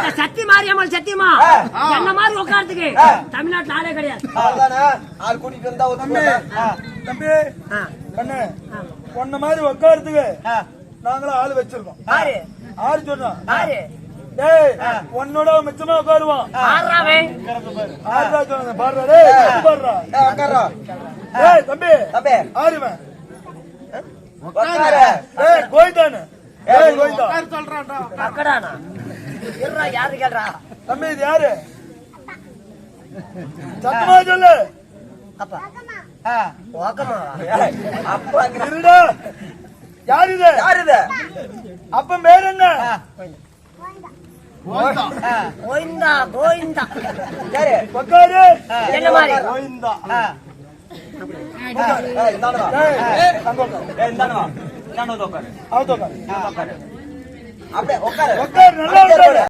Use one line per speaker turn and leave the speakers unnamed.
சத்தி மாரியம்மாள் சத்தியமா என்ன மாதிரி உட்கார்றதுக்கு தமிழ்நாட்டுல ஆளே கிடையாது.
ஆள் கூட்டிட்டு வந்தா
தம்பி கண்ணு பொண்ண மாதிரி உட்காரத்துக்கு நாங்களும் ஆளு வச்சிருக்கோம். ஆறு சொன்னோம். உன்னோட மிச்சமா உட்காருவோம். தம்பி ஆறுவன் கோயிதானு
யாரு கேள்றா
தம்பி இது யாரு சத்தமா சொல்லு. யாரு இது அப்ப பேர் என்ன?
கோயிந்தா கோயிந்தா
உட்காரு.
என்ன மாதிரி
கோயிந்தா
அப்படியே உட்காரு
நல்லா